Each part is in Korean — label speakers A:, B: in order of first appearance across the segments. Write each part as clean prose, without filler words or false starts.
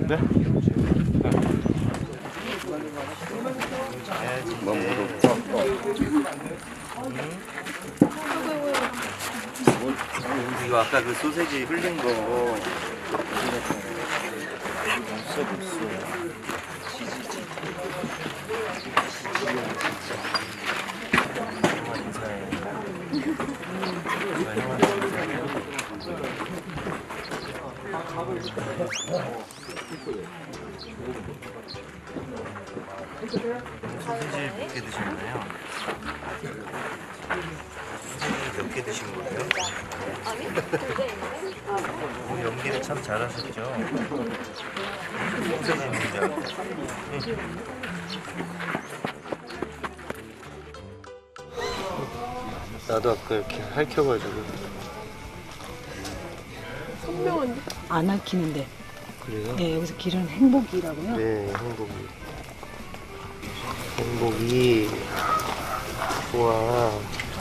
A: 네? 너무
B: 이거 아까 그 소세지 흘린 거
A: 없어 없어.
B: 소세지 몇 개 드셨나요? 소세지 몇 개 드신 거예요?
C: 아니, 두개 있는데?
B: 연기를 참 잘하셨죠? 소세지 문장. 나도 아까 이렇게 핥혀가지고.
C: 선명한데?
D: 안 핥히는데.
B: 그래요?
D: 네, 여기서 길은 행복이라고요.
B: 네, 행복이 좋아.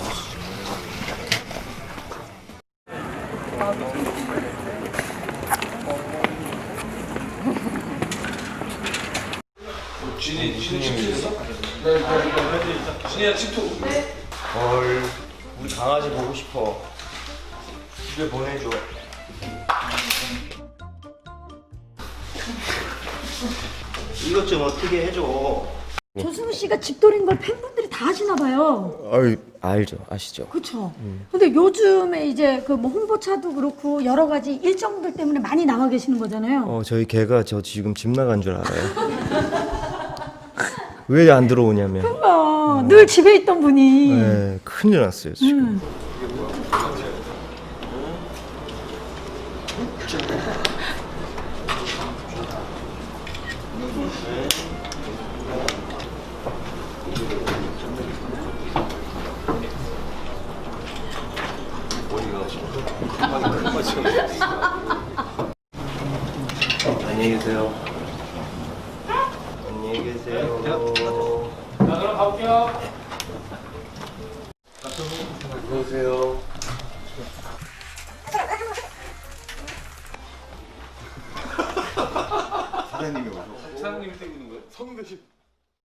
A: 진이야 침투.
B: 헐, 우리 강아지 보고 싶어. 집에 보내줘. 이것 좀 어떻게 해줘.
D: 조승우 씨가 집돌이인 걸 팬분들이 다 아시나 봐요.
B: 알죠, 아시죠?
D: 그렇죠. 근데 요즘에 이제 그 뭐 홍보차도 그렇고 여러 가지 일정들 때문에 많이 나와 계시는 거잖아요.
B: 저희 개가 저 지금 집 나간 줄 알아요. 왜 안 들어오냐면.
D: 그러니까 늘 집에 있던 분이.
B: 네, 큰일 났어요 지금. 안녕히 계세요. 안녕히 계세요.
A: 자 그럼 가볼게요.
B: 들어오세요.
A: 사장님이 뛰고 있는 거예요? 성대신.